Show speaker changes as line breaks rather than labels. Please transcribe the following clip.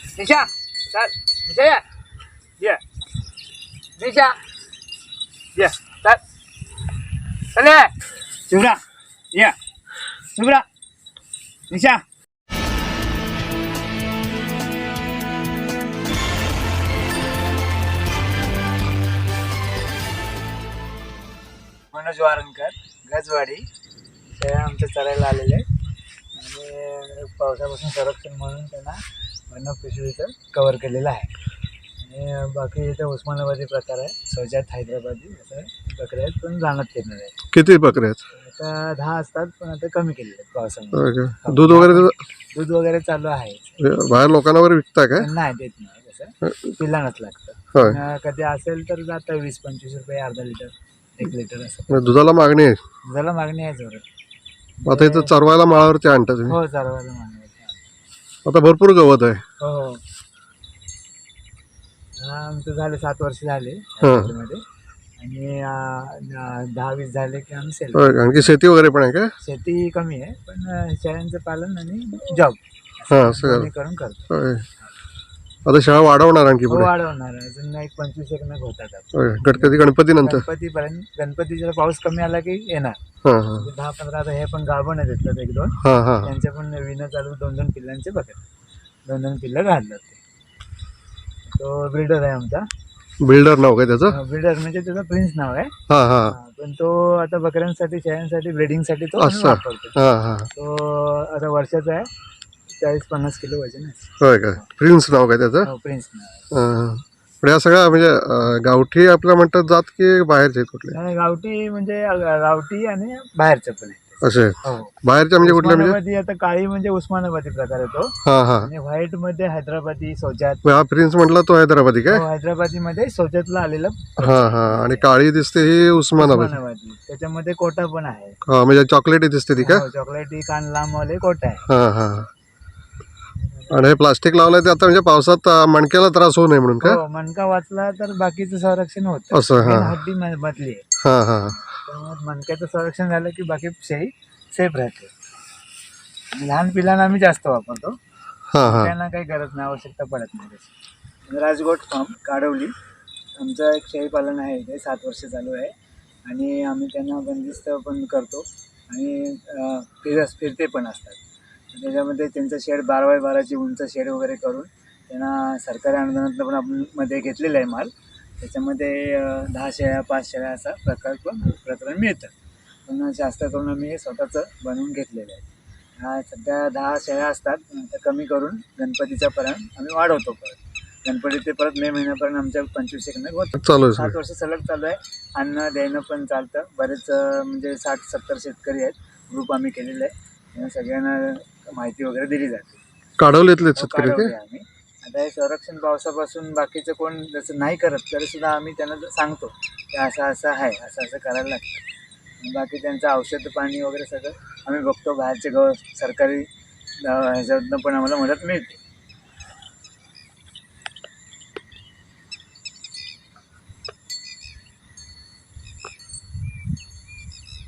निशा चल, निशा ये निशा ये चल चल ये शुभ्रा ये शुभ्रा निशा मनोज वारंकर गजवाडी ते आमच्या चरायला आलेले आहेत आणि पावसापासून संरक्षण म्हणून त्यांना वर्ण पिशवीचं कवर केलेलं आहे आणि बाकी इथे उस्मानाबादी प्रकार आहे सोजात हैदराबादी असं बकऱ्या आहेत पण रानात फिरणार आहेत.
किती बकऱ्या आहेत?
आता 10 असतात पण आता कमी केलेले आहेत पावसामुळे.
Okay. दूध वगैरे
चालू आहे.
बाहेर लोकांना वगैरे विकता काय?
नाही देत नाही कसं पिलानच लागतं.
होय.
कधी असेल तर जातं 20-25 रुपये अर्धा लिटर 1 लिटर असं.
दुधाला मागणी आहे.
दुधाला मागणी आहे जोरात.
आता इथं चरवायला माळावरती आणता तुम्ही?
हो चरवायला मागणी आहे.
आता भरपूर गवत आहे.
हो आमचं झाले 7 वर्ष झाले
हां.
मध्ये आणि 10-20 झाले की आम्ही सेल.
होय. आणखी शेती वगैरे पण आहे का?
शेती कमी आहे पण शेळ्यांचं पालन आणि जॉब
हां असं
करून करतो.
होय. आता शाळा वाढवणार आणखी
हो
पुढे?
वाढवणार आहे. अजून एक 25 नग होतात आता.
होय. गणपती नंतर?
गणपतीपर्यंत गणपतीचा पाऊस कमी आला की येणार.
हां हां
10-15 आता हे पण गाभण येतात 1-2
हां हां
त्यांचे पण विणं चालू 2-2 पिल्लांचे बघत 2-2 पिल्लं घालतात ते. तो बिल्डर आहे आमचा.
बिल्डर नाव काय त्याचं?
बिल्डर म्हणजे त्याचं प्रिन्स नाव आहे.
हां हां
पण तो आता बकऱ्यांसाठी शेळ्यांसाठी ब्रीडिंगसाठी तो
असं.
वापरतो.
हां हां
तो आता वर्षाचा आहे 40-50 किलो वजन आहे.
होय काय? प्रिन्स नाव काय त्याचं?
हो प्रिन्स नाव आहे.
हां. पण या सगळ्या म्हणजे गावठी आपल्या म्हणतात जात की बाहेरचे कुठले
आणि गावठी म्हणजे गावठी आणि बाहेरचं पण आहे.
असे?
हो
बाहेरच्या म्हणजे कुठल्या म्हणजे?
उस्मानाबादी आता काळी म्हणजे उस्मानाबादी प्रकार येतो
हां हां
आणि व्हाईट मध्ये हैदराबादी सोजात.
हा प्रिन्स म्हटला तो हैदराबादी काय?
हैदराबादी मध्ये सोजातला आलेलं
हां हां आणि काळी दिसते ही उस्मानाबादी.
उस्मानाबादी. त्याच्यामध्ये कोटा पण आहे.
हा म्हणजे चॉकलेटी दिसते ती का?
हो, चॉकलेटी कान लांब वाले कोटा आहे.
हां हां आणि हे प्लास्टिक लावलंय ते आता म्हणजे पावसात मणक्याला त्रास होऊ नये म्हणून का?
हो मणका वाचला तर बाकीचं संरक्षण होतं.
असं. हां
हड्डी मधली आहे
हां हां
त्यामुळे मणक्याचं संरक्षण झालं की बाकी शेळी सेफ राहते. लहान पिलांना आम्ही जास्त वापरतो.
हां हां
त्यांना काही गरज नाही आवश्यकता पडत नाही त्याची. राजगोट फार्म काडवली आमचं एक शेळी पालन आहे इथे 7 वर्ष चालू आहे आणि आम्ही त्यांना बंदिस्त पण करतो आणि फिरते पण असतात. त्याच्यामध्ये त्यांचं शेड 12x12ची उंच शेड वगैरे करून त्यांना सरकारी अनुदानातनं पण आपण मध्ये घेतलेलं आहे माल. त्याच्यामध्ये 10 शेळ्या 5 शेळ्या असा प्रकरण मिळतं. पण जास्त करून आम्ही हे स्वतःचं बनवून घेतलेलं आहे. सध्या 10 शेळ्या असतात तर कमी करून गणपतीच्या पर्यंत आम्ही वाढवतो. गणपती ते परत मे महिन्यापर्यंत आमच्या 25 नग होतं.
चालू आहे
7 वर्ष सलग चालू आहे. अन्न देणं पण चालतं. बरेच म्हणजे 60-70 शेतकरी आहेत. ग्रुप आम्ही केलेला आहे. त्यांना सगळ्यांना माहिती वगैरे दिली जाते.
काढवलेतले शेतकरी
काढवले
ते?
आम्ही. आता हे संरक्षण पावसापासून बाकीचं कोण जसं नाही करत तरी सुद्धा आम्ही त्यांना सांगतो की असं असं आहे असं असं करायला लागतं. बाकी त्यांचं औषध पाणी वगैरे सगळं आम्ही बघतो. बाहेरचे सरकारी ह्याच्यातनं पण आम्हाला मदत मिळते.